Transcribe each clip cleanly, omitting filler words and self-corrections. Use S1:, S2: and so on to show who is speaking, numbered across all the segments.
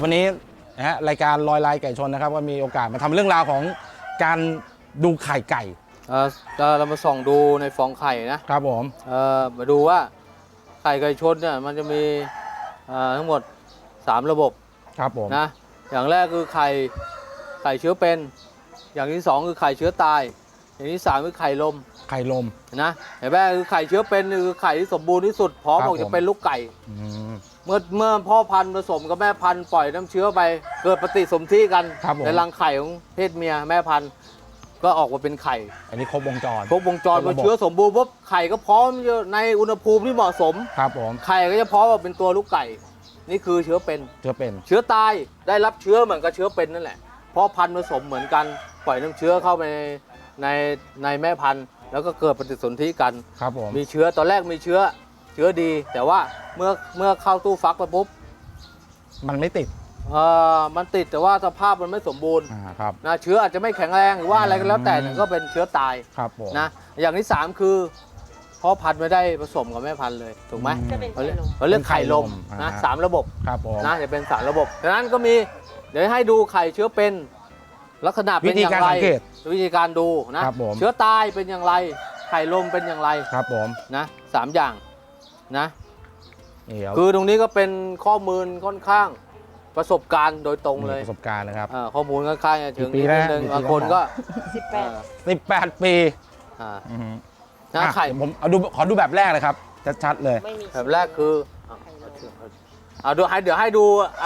S1: วันนี้นะฮะรายการลอยลายไก่ชนนะครับก็มีโอกาสมาทำเรื่องราวของการดูไข่ไก่
S2: เรามาส่องดูในฟองไข่นะครับ
S1: ผม
S2: มาดูว่าไข่ไก่ชนเนี่ยมันจะมีทั้งหมด3ระบบ
S1: ครับผม
S2: นะอย่างแรกคือไข่เชื้อเป็นอย่างที่2คือไข่เชื้อตายอย่างที่3คือไข่ลมนะเห็นไหมคือไข่เชื้อเป็นคือไข่ที่สมบูรณ์ที่สุดพร้อมออกจะเป็นลูกไก่เมื่อพ่อพันธุ์ผสมกับแม่พันธุ์ปล่อยน้ำเชื้อไปเกิดปฏิสนธิกันในรังไข่ของเพศเมียแม่พันธุ์ก็ออกมาเป็นไข่
S1: อันนี้ครบวงจร
S2: พอเชื้อสมบูรณ์ปุ๊บไข่ก็พร้อมในอุณหภูมิที่เหมาะสม
S1: ครับผม
S2: ไข่ก็จะพร้อมเป็นตัวลูกไก่นี่คือเชื้อเป็นเชื้อตายได้รับเชื้อเหมือนกับเชื้อเป็นนั่นแหละเพราะพันธุ์ผสมเหมือนกันปล่อยน้ำเชื้อเข้าไปในแม่พันธุ์แล้วก็เกิดปฏิสนธิกัน
S1: ครับผม
S2: มีเชื้อตอนแรกมีเชื้อดีแต่ว่าเมื่อเข้าตู้ฟักไปปุ๊บ
S1: มันไม่ติด
S2: มันติดแต่ว่าสภาพมันไม่สมบูรณ์นะเชื้ออาจจะไม่แข็งแรงหรือว่าอะไรก็แล้วแต่ก็เป็นเชื้อตายนะอย่างที่3คือพ่อพันธุ์ไม่ได้ผสมกับแม่พันธุ์เลยถูกไหมเขาเรียกไข่ลมนะ3ระบบนะจะเป็น3ระบบดังนั้นก็มีเดี๋ยวให้ดูไข่เชื้อเป็นลักษณะเป็นอย่างไรวิธีการดูนะเชื้อตายเป็นอย่างไรไข่ลมเป็นอย่างไร
S1: ครับผม
S2: นะ3อย่างนะคือตรงนี้ก็เป็นข้อมูลค่อนข้างประสบการณ์โดยตรงเลย
S1: ประสบการณ์นะครับ
S2: ข้อมูลค่อนข้างจะถึงนิดนึงบางคนก็
S1: 18 ปี
S2: นะไข่
S1: ผมขอดูแบบแรกเลยครับชัดๆเลย
S2: แบบแรกคือเดี๋ยวให้ดู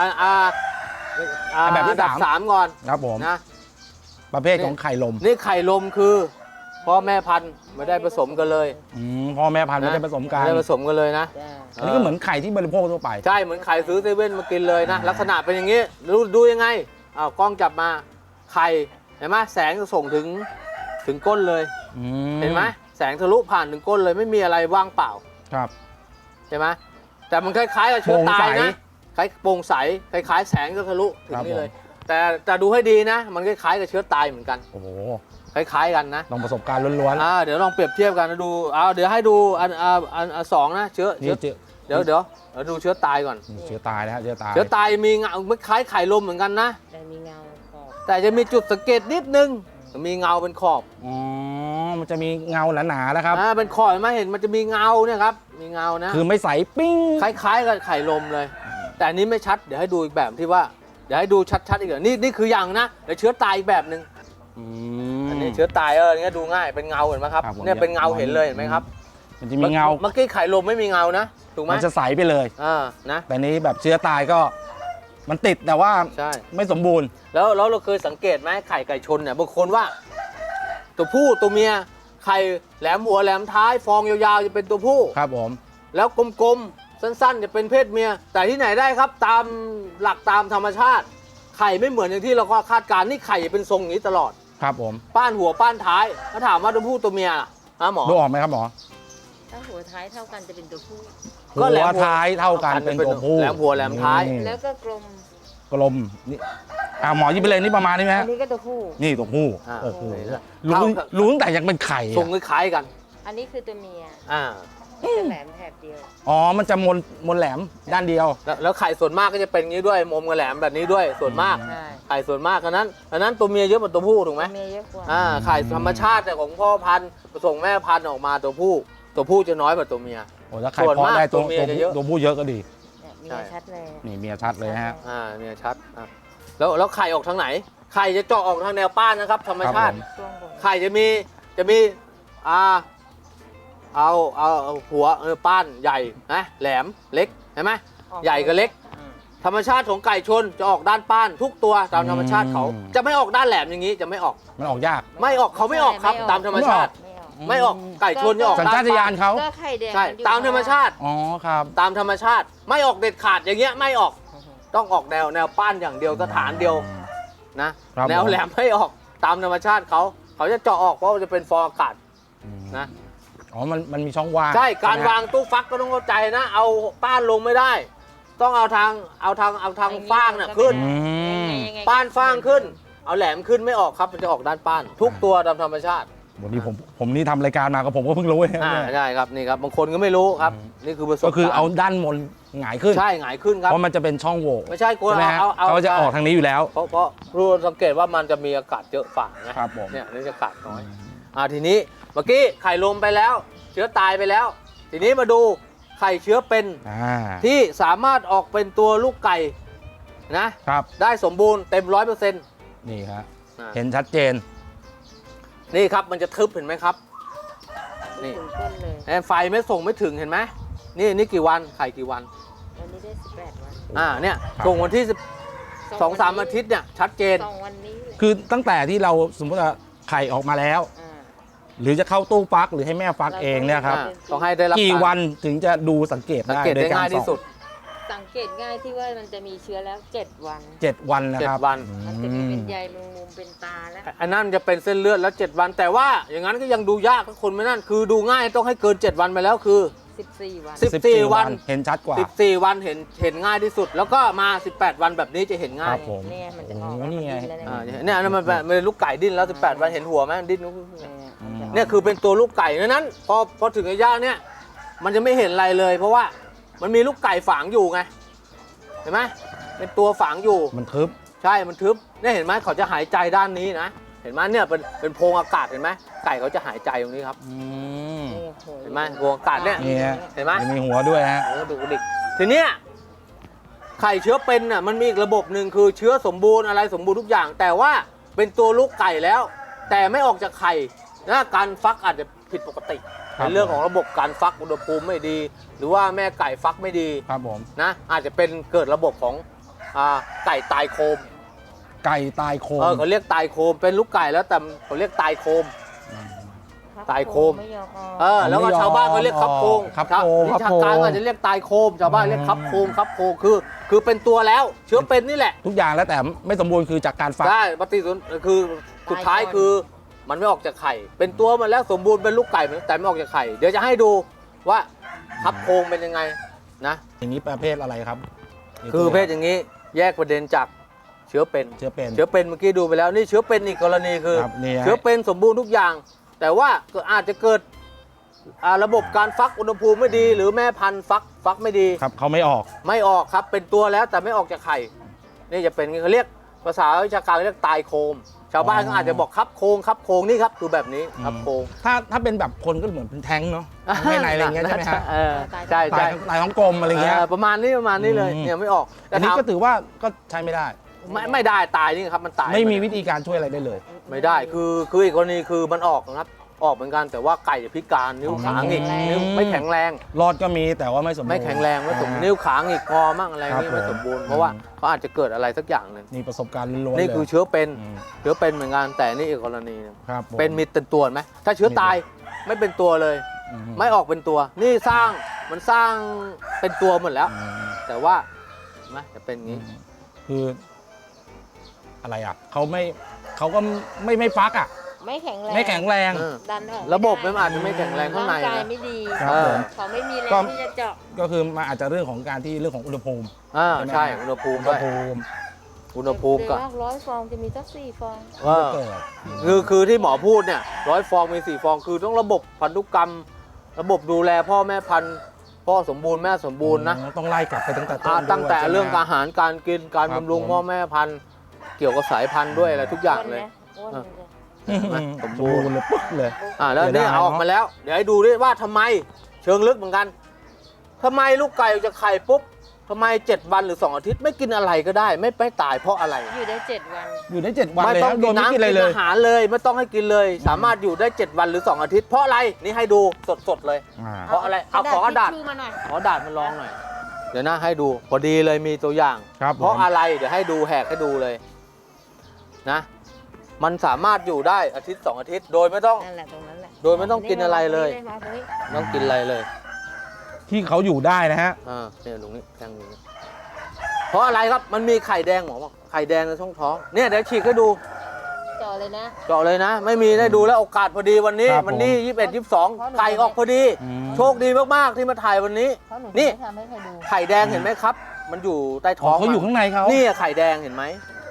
S1: แบบที่
S2: 3ก่อน
S1: ครับผมนะประเภทของไข่ลม
S2: นี่ไข่ลมคือพ่อแม่พันธุ์ไม่ได้ผสมกันเลย
S1: พ่อแม่พันธุ์ไม่ได้ผสมกัน
S2: ไม่ได้ผสมกันเลยนะ
S1: อันนี้ก็เหมือนไข่ที่บริโภคทั่วไป
S2: ใช่เหมือนไข่ซื้อเซเว่นมากินเลยนะลักษณะเป็นอย่างนี้ดูยังไงกล้องจับมาไข่เห็นไหมแสงจะส่งถึงก้นเลยเห็นไหมแสงทะลุผ่านถึงก้นเลยไม่มีอะไรว่างเปล่า
S1: ครับ
S2: ใช่ไหมแต่มันคล้ายๆกับเชื้อตายนะคล้ายโปร่งใสคล้ายๆแสงจะทะลุถึงนี่เลยแต่ดูให้ดีนะมันคล้ายๆกับเชื้อตายเหมือนกัน
S1: โอ้โห
S2: คล้ายๆกันนะ
S1: ลองประสบการณ์ล้วน
S2: ๆเดี๋ยวลองเปรียบเทียบกันดูเดี๋ยวให้ดูอัน2นะเชื้อเดี๋ยวดูเชื้อตายก่อน
S1: เชื้อตายนะเชื้อ
S2: ตายมีเงาคล้ายไข่ลมเหมือนกันนะ
S3: แต่มีเงาขอบ
S2: แต่จะมีจุดสังเกตนิดนึงมีเงาเป็นขอบ
S1: มันจะมีเงาหนาๆแล้วครับ
S2: เป็นขอบเห็นมันจะมีเงาเนี่ยครับมีเงานะ
S1: คือไม่ใสปิ้ง
S2: คล้ายๆกับไข่ลมเลยแต่อันนี้ไม่ชัดเดี๋ยวให้ดูอีกแบบที่ว่าเดี๋ยวให้ดูชัดๆอีกนี่คืออย่างนะเดี๋ยวเชื้อตายอีกแบบหนึ่งอันนี้เชื้อตายนี่ดูง่ายเป็นเงาเห็นไหมครับเนี่ยเป็นเงาเห็นเลยเห็นไหมครับ
S1: มันจะมีเงา
S2: เมื่อกี้ไข่ลมไม่มีเงานะถูกไหม
S1: มันจะใสไปเลย
S2: นะ
S1: แต่นี้แบบเชื้อตายก็มันติดแต่ว่าไม่สมบูรณ์
S2: แล้วเราเคยสังเกตไหมไข่ไก่ชนเนี่ยบางคนว่าตัวผู้ตัวเมียไข่แหลมหัวแหลมท้ายฟองยาวๆจะเป็นตัวผู้
S1: ครับผม
S2: แล้วกลมๆสั้นๆจะเป็นเพศเมียแต่ที่ไหนได้ครับตามหลักตามธรรมชาติไข่ไม่เหมือนอย่างที่เราคาดการณ์นี่ไข่เป็นทรงอย่างนี้ตลอด
S1: ครับผม
S2: ป้านหัวป้านท้ายถ้าถามว่าตัวผู้ตัวเมียนะหมอ
S1: ดูออกไหมครับหมอ
S3: ถ้าหัวท้ายเท่ากันจะเป็นตัวผู้
S1: ก็แหลมท้ายเท่ากันเป็นตัวผู้
S2: แหลมหัวแหลมท้าย
S3: แล้วก็กลม
S1: นี่หมอยิบไปเลยนี่ประมาณนี้ไหม
S3: อันนี้ก็ตัวผู้
S1: นี่ตัวผู้โอ้โหรู้ตั้งแต่ยังเป็นไข่
S2: ทรงคล้ายกัน
S3: อันนี้คือตัวเมียแหลมแถบเดียว
S1: มันจะมนแหลมด้านเดียว
S2: แล้วไข่ส่วนมากก็จะเป็นงี้ด้วยมมกับแหลมแบบนี้ด้วยส่วนมากไข่ส่วนมากอันนั้นตัวเมียเยอะกว่าตัวผู้ถูกไหม
S3: เมียเยอะกว่า
S2: ไข่ธรรมชาติของพ่อพันธุ์ผสมแม่พันธุ์ออกมาตัวผู้จะน้อยกว่าตัวเมีย
S1: ถ้าไข่พอได้ตัวเมียเยอะตัวผู้เยอะก็ดี
S3: เมียชัดเลย
S1: นี่เมียชัดเลยฮะ
S2: เมียชัดแล้วไข่ออกทางไหนไข่จะเจาะออกทางแนวป้านนะครับธรรมชาติไข่จะมีเอาหัวป้านใหญ่นะแหลมเล็กใช่ไหมใหญ่กับเล็กธรรมชาติของไก่ชนจะออกด้านป้านทุกตัวตามธรรมชาติเขาจะไม่ออกด้านแหลมอย่างนี้จะไม่ออก
S1: มันออกยาก
S2: ไม่ออกเขาไม่ออกครับตามธรรมชาติไม่ออกไก่ชนจะออก
S1: สัญชาตญาณเขา
S2: ใช่ตามธรรมชาติ
S1: ครับ
S2: ตามธรรมชาติไม่ออกเด็ดขาดอย่างเงี้ยไม่ออกต้องออกแนวป้านอย่างเดียวสถานเดียวนะแนวแหลมไม่ออกตามธรรมชาติเขาจะเจาะออกเพราะจะเป็นฟองอากาศนะ
S1: มันมีช่องว่าง
S2: ใช่การวางตู้ฟักก็ต้องเข้าใจนะเอาป้านลงไม่ได้ต้องเอาทางฟางน่ะขึ้นป้านฟางขึ้นเอาแหลมขึ้นไม่ออกครับมันจะออกด้านป้านทุกตัวตามธรรมชาติ
S1: วันนี้ผมนี่ทำรายการมาก็ผมก็เพิ่งรู้เนี่ย
S2: ใช่ครับนี่ครับบางคนก็ไม่รู้ครับนี่คือประสบการณ์
S1: ก็คือเอาด้านบนหงายขึ้น
S2: ใช่หงายขึ้นครับ
S1: เพราะมันจะเป็นช่องโหว่
S2: ไม่ใช่กู
S1: ใช่ไหมฮะ
S2: เอา
S1: เขาจะออกทางนี้อยู่แล้ว
S2: เพราะรู้สังเกตว่ามันจะมีอากาศเยอะฝ่านะครับ
S1: ผม
S2: เนี่ยนี่จะอากาศน้อยทีนี้เมื่อกี้ไข่ลมไปแล้ว เชื้อตายไปแล้ว ทีนี้มาดูไข่เชื้อเป็นที่สามารถออกเป็นตัวลูกไก่นะครับได้สมบูรณ์เต็ม100%
S1: นี่ครับเห็นชัดเจน
S2: นี่ครับมันจะทึบเห็นไหมครับนี่
S3: ถึงต้นเลย
S2: ไฟไม่ส่งไม่ถึงเห็นไหมนี่กี่วันไข่กี่วัน
S3: วันนี้ได้18 วัน
S2: เนี่ย
S1: ครับ
S2: ส่งวันที่2-3 อาทิตย์เนี่ยชัดเจน
S3: 2 วันนี้เลย
S1: คือตั้งแต่ที่เราสมมติว่าไข่ออกมาแล้ว หรือจะเข้าตู้ฟักหรือให้แม่ฟักเองเนี่ยครับ
S2: ต้องให้ได้รับ
S1: กี่วันถึงจะดูสังเกต
S2: สัง
S1: ได้
S2: เกต
S1: โด
S2: ได้
S1: ยการ
S2: ง่ายที่สุด
S3: สังเกตง่ายที่ว่ามันจะมีเชื้อแล้ว 7 วัน
S1: 7 วันนะครับ
S2: 7 วัน
S3: มันจะมีเป็นใยมุมเป็นตาแล้ว
S2: อันนั้นจะเป็นเส้นเลือดแล้ว 7 วัน แต่ว่าอย่างนั้นก็ยังดูยากถ้าคนไม่นั่นคือดูง่ายต้องให้เกิน 7 วันไปแล้วคือ
S3: 14 วัน
S2: 14 วัน
S1: เห็นชัดกว่า
S2: 14 วันเห็นง่ายที่สุด แล้วก็มา 18 วันแบบนี้จะเห็นง่า
S1: ค
S2: ย
S1: รับผม
S3: เนี่ยมันจะออก
S1: โอ้นี่ไง
S2: เนี่ยอันนั้นมันเป็นลูกไก่ดิ้นแล้ว 18 วันเห็นหัวไหมดิ้นเนี่ยคือเป็นตัวลูกไก่นั้นพอถึงระยะเนี่ยมันจะไม่เห็นอะไรเลย เพราะว่ามันมีลูกไก่ฝังอยู่ไงเห็นไหมเป็นตัวฝังอยู่
S1: มันทึบ
S2: ใช่มันทึบเนี่ยเห็นไหมเขาจะหายใจด้านนี้นะเห็นไหมเนี่ยเป็นโพรงอากาศเห็นไหมไก่เขาจะหายใจตรงนี้ครับเห็นไหมโพรงอากาศเนี่ย
S1: นี่ฮะ
S2: เห็นไหม
S1: จะมีหัวด้วยฮะ
S2: ดูดิทีเนี้ยไข่เชื้อเป็นน่ะมันมีอีกระบบหนึ่งคือเชื้อสมบูรณ์อะไรสมบูรณ์ทุกอย่าง แต่ว่าเป็นตัวลูกไก่แล้ว แต่ไม่ออกจากไข่นะการฟักอาจจะผิดปกติในเรื่องของระบบการฟักอุณหภูมิไม่ดี หรือว่าแม่ไก่ฟักไม่ดี
S1: ครับผม
S2: นะอาจจะเป็นเกิดระบบของไก่ตายโคม
S1: ไก่ตายโคม
S2: เขาเรียกตายโคมเป็นลูกไก่แล้วแต่เขาเรียกตายโคม ตายโคม
S3: ไม่ยอมออก
S2: แล้วก็ชาวบ้านเขาเรียกคับโคง
S1: ครับโคม
S2: ชาวกลางอาจจะเรียกตายโคมชาวบ้านเรียกคับโคงคือเป็นตัวแล้วเชื้อเป็นนี่แหละ
S1: ทุกอย่างแล้วแต่ไม่สมบูรณ์คือจากการฟัก
S2: ใช่ปฏิสนธิคือสุดท้ายคือมันไม่ออกจากไข่เป็นตัวมันแล้วสมบูรณ์เป็นลูกไก่แต่ไม่ออกจากไข่เดี๋ยวจะให้ดูว่าคับโคงเป็นยังไงนะ
S1: อย่างนี้ประเภทอะไรครับ
S2: คือประเภทอย่างนี้แยกประเด็นจากเชื้อเป็น
S1: เชื้อเป็น
S2: เชื้อเป็นเมื่อกี้ดูไปแล้วนี่เชื้อเป็นอีกกรณีคือ
S1: ครับนี่ฮะ
S2: เชื้อเป็นสมบูรณ์ทุกอย่าง แต่ว่าก็อาจจะเกิดระบบการฟักอุณหภูมิไม่ดี หรือแม่พันธุ์ฟักไม่ดี
S1: ครับเขาไม่ออก
S2: ไม่ออกครับเป็นตัวแล้วแต่ไม่ออกจากไข่นี่จะเป็นเขาเรียกภาษาวิชาการเรียกตายโคม ชาวบ้านก็อาจจะบอกคับโคงนี่ครับคือแบบนี้คับโคง
S1: ถ้าเป็นแบบคนก็เหมือนเป็นแท้งเนาะให้ในอะไรอย่างเงี้ยใช่ไหมฮะ
S2: ใช่
S1: ตายท้องกลมอะไรเงี้ย
S2: ประมาณนี้เลยเนี่ยไม่ออก
S1: อันนี้ก็ถือว่าก็ใช้ไม่ได้
S2: ไม่ได้ตายนี่ครับมันตาย
S1: ไม่มีวิธีการช่วยอะไรได้เลย
S2: ไม่ได้คืออีกกรณีคือมันออกนะครับออกเหมือนกันแต่ว่าไก่จะพิการนิ้วขาหงิกนิ้วไม่แข็งแรง
S1: รอดก็มีแต่ว่าไม่สมบูรณ์
S2: ไม่แข็งแรงไม่สมนิ้วขาหงิกคอมั่งอะไรนี่ไม่สมบูรณ์เพราะว่าเขาอาจจะเกิดอะไรสักอย่างหนึ่ง
S1: นี่ประสบการณ์ล้วนๆ
S2: นี่คือ
S1: เลย
S2: เชื้อเป็นเหมือนกันแต่นี่อีกกรณีหนึ่ง
S1: ครับผม
S2: เป็นมีเป็นตัวไหมถ้าเชื้อตายไม่เป็นตัวเลย ไม่ออกเป็นตัว นี่สร้างเป็นตัวหมดแล้ว แต่ว่าเห็นไหมจะเป็นอย่างนี้
S1: คืออะไรอ่ะเขาก็ไม่ฟักอ่ะ
S3: ไม่แข็งแรง
S1: ไม่แข็งแรง
S3: ดันออก
S2: ระบบมันอาจจะไม่แข็งแรงข้างใน
S3: ร่างกาย
S2: นะ
S3: ไม่ดี
S1: ครับผม
S3: เขาไม่มีแร
S1: ก็
S3: งที่จะเจาะ
S1: ก็คือมันอาจจะเรื่องของการที่เรื่องของอุณหภูมิ
S2: ใช่อุณหภูมิ
S1: อุณ
S2: ด้
S1: ห
S2: วย
S1: ภูมิ
S2: อุณหภูมิก็
S3: 100 ฟองจะมีสัก4 ฟอง
S1: เกิด
S2: คือที่หมอพูดเนี่ย100 ฟองมี4 ฟองคือต้องระบบพันธุกรรม ระบบดูแลพ่อแม่พันธุ์พ่อสมบูรณ์แม่สมบูรณ์นะ
S1: ต้องไล่กลับไปตั้งแต่ต้น
S2: ตั้งแต่
S1: ด้วย
S2: เรื่อง
S1: ใช่ไหม
S2: อาหารการกินการ
S1: ครับ
S2: บำรุง
S1: ผม
S2: พ่อแม่พันธุ์เกี่ยวกับสายพันธุ์ด้วยอะไรทุกอย่างเลย
S3: อ้วนนะ
S1: สมบูรณ์เลยปึ๊กเลย
S2: แล้ว
S1: เดี๋ยว
S2: นี่
S1: ได้
S2: เอาออกมาแล้ว เดี๋ยวให้ดูด้วยว่าทำไมเชิงลึกเหมือนกันทำไมลูกไก่ออกจากไข่ปุ๊บทำไม7 วันหรือ2 อาทิตย์ไม่กินอะไรก็ได้ไม่ตายเพราะอะไร
S3: อยู่ได้7 วัน
S1: อยู่ได้7 วัน
S2: ไม่
S1: เลย
S2: ต้อง
S1: นะโด
S2: กิ
S1: ย
S2: น
S1: ไม่
S2: น้ำ
S1: กิ
S2: กิ
S1: นอะไร
S2: น
S1: เลย
S2: อาหารเลยไม่ต้องให้กินเลย สามารถอยู่ได้7 วันหรือ2 อาทิตย์เพราะอะไรนี่ให้ดูสดๆเลย เพราะอะไรเอาขอกระดาษ
S3: ทิชชู่มาหน่อย
S2: ขอดาดมันลองหน่อยเดี๋ยวนะให้ดูพอดีเลยมีตัวอย่าง
S1: ครับ
S2: เพราะอะไรเดี๋ยวให้ดูแหกให้ดูเลยนะมันสามารถอยู่ได้อาทิตย์2 อาทิตย์โดยไม่ต้อง
S3: นั่นแหละตรงนั้นแหละ
S2: โดยไม่ต้องกินอะไรเลย
S3: มาตรงนี้
S2: ไม่ต้องกินอะไรเลย
S1: ที่เขาอยู่ได้นะฮะ
S2: เนี่ยตรงนี้แทงนี้เพราะอะไรครับมันมีไข่แดงหมอบอกไข่แดงในช่องท้องเนี่ยเดี๋ยวฉีกให้ดู
S3: เจาะเลยนะ
S2: เจาะเลยนะ ไม่มีได้ดูแล้วโอกาสพอดีวันนี้
S1: ครับ
S2: วันนี้
S1: ผม
S2: 21 22ไก่ออกพอดี โชคดีมากๆที่มาถ่ายวันนี้
S3: เพราะหนู
S2: นี่
S3: ไม่ทำให้ใครดู
S2: ไข่แดงเห็นไหมครับ มันอยู่ใต้ท้
S1: อ๋
S2: อ
S1: อง เขาอยู่ข้างในเขา
S2: นี่ไข่แดงเห็นไหม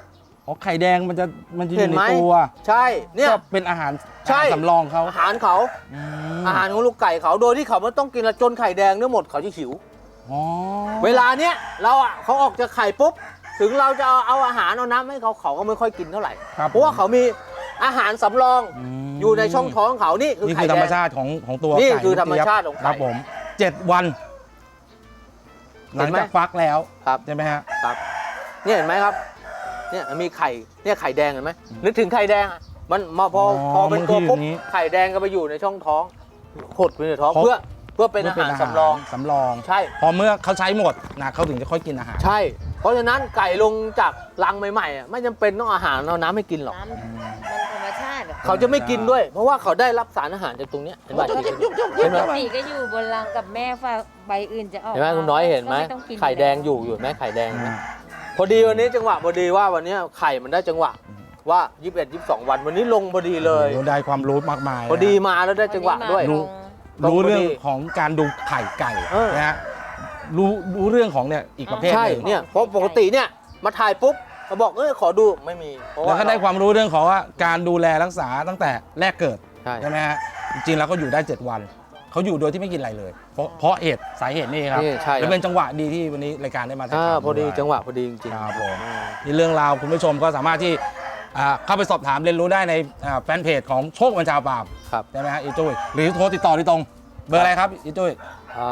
S1: อ๋อไข่แดงมันจะอ
S2: เห็
S1: ยู่
S2: น
S1: ใน
S2: ไหม
S1: ตัว
S2: ใช่เนี่ย
S1: ก็เป็นอาหาร
S2: ใช่
S1: สำรองเขา
S2: อาหารเขา
S1: อืม
S2: อาหารของลูกไก่เขาโดยที่เขาไม่ต้องกินละจนไข่แดงเนี่ยหมดเขาจะหิว
S1: อ๋อ
S2: เวลาเนี้ยเราอ่ะเขาออกจากไข่ปุ๊บถึงเราจะเอาอาหารเอาน้ำให้เขาเขาก็ไม่ค่อยกินเท่าไหร่
S1: ครับ
S2: เพราะว่าเขามีอาหารสำรอง
S1: ม
S2: อยู่ในช่องท้องเขานี่คือ
S1: นี่
S2: ไข่
S1: คือ
S2: แด
S1: ธรรม
S2: ง
S1: ชาติของตัว
S2: นี่
S1: ไก่
S2: คือ
S1: ลูก
S2: ธรรม
S1: เจี๊ยบ
S2: ชาติของไก่
S1: ครับผม 7 วัน ห
S2: เห็
S1: ลั
S2: น
S1: ง
S2: ไหม
S1: จากฟักแล้ว
S2: ครับ
S1: ใช่ไหมฮะ
S2: ครับเนี่ยเห็นไหมครับเนี่ยมีไข่เนี่ยไข่แดงเห็นไหมนึกถึงไข่แดงอะมันมาพอเป็นตัวปุ๊บไข่แดงก็ไปอยู่ในช่องท้องหดไปในท้องเพื่อเป็นอาหารสำรอง
S1: สำรอง
S2: ใช่
S1: พอเมื่อเขาใช้หมดนะเขาถึงจะค่อยกินอาหาร
S2: ใช่ เพราะฉะนั้นไก่ลงจากรังใหม่ๆอะไม่จำเป็นต้องอาหารเอาน้ำให้กินหรอก
S3: น้ำมันธรรมชาติอะ
S2: เขาจะไม่กินด้วย เพราะว่าเขาได้รับสารอาหารจากตรงเนี้ยเห็นไหมเห็น
S3: ป
S2: ไหม
S3: กติก็อยู่บนรังกับแม่ฝากใบอื่นจะออก
S2: เห็นไหมคุณน้อยเห็นไหม
S3: ก็ต้องกิน
S2: ไข่แดงอยู่เห็นไหมไข่แดงเห็นไหม
S1: อืม
S2: พอดีวันนี้จังหวะพอดีว่าวันนี้ไข่มันได้จังหวะว่า 21 22 วันวันนี้ลงพอดีเลย
S1: โอ้ได้ความรู้มากมาย
S2: พอดีมาแล้วได้จังหวะด้วย
S1: รู้
S2: ตรง
S1: รู้เรื่อง
S2: พอดี
S1: ของการดูไข่ไก่
S2: เออ
S1: นะฮะรู้เรื่องของเนี่ยอีกประเภท
S2: ใช่
S1: หนึ่ง
S2: เนี่ยเพราะปกติเนี่ยมาถ่ายปุ๊บมาบอกขอดูไม่มีเพราะ
S1: แล้ว
S2: ว่า
S1: ก็ได้ความรู้เรื่องของว่าการดูแลรักษาตั้งแต่แรกเกิด
S2: ใช่
S1: ใช่ไหมฮะจริงๆแล้วก็อยู่ได้ 7 วันเขาอยู่โดยที่ไม่กินอะไรเลย เพราะเหตุสาเหตุนี่ครับ
S2: นี่ใช่
S1: แล้วเป็นจังหวะดีที่วันนี้รายการได้มาถ่ายทำ
S2: พอดี
S1: วย
S2: จังหวะพอดีจริงๆ
S1: ครับผม
S2: อ่า
S1: นี่เรื่องราวคุณผู้ชมก็สามารถที่เข้าไปสอบถามเรียนรู้ได้ในแฟนเพจของโชคบัญชาปราบ
S2: ครับ
S1: ใช่ไหมฮะอีจุ้ยหรือโทรติดต่อที่ตรงเบอร์อะไรครับอีจุ้ย
S2: อ่า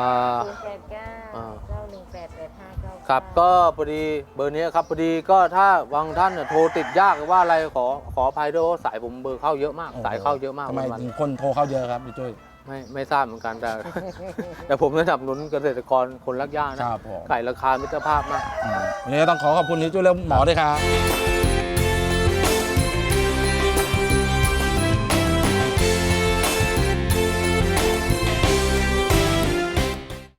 S3: 089 9188599
S2: ครับก็พอดีเบอร์นี้ครับพอดีก็ถ้าบางท่านเนี่ยโทรติดยากหรือว่าอะไรขออภัยด้วยเพราะสายผมเบอร์เข้าเยอะมาก สายเข้าเยอะมาก
S1: ทำไม
S2: วัน
S1: ถึงคนโทรเข้าเยอะครับอีจุ้ย
S2: ๆไม่ทราบเหมือนกันแต่ แต่ผมสนับสนุนเกษตรกรคนรักหญ้านะครับ
S1: ผม
S2: ไก่ราคามิตรภาพมาก
S1: วันนี้ก็ต้องขอขอบคุณอีจุ้ยและหมอด้วยครับ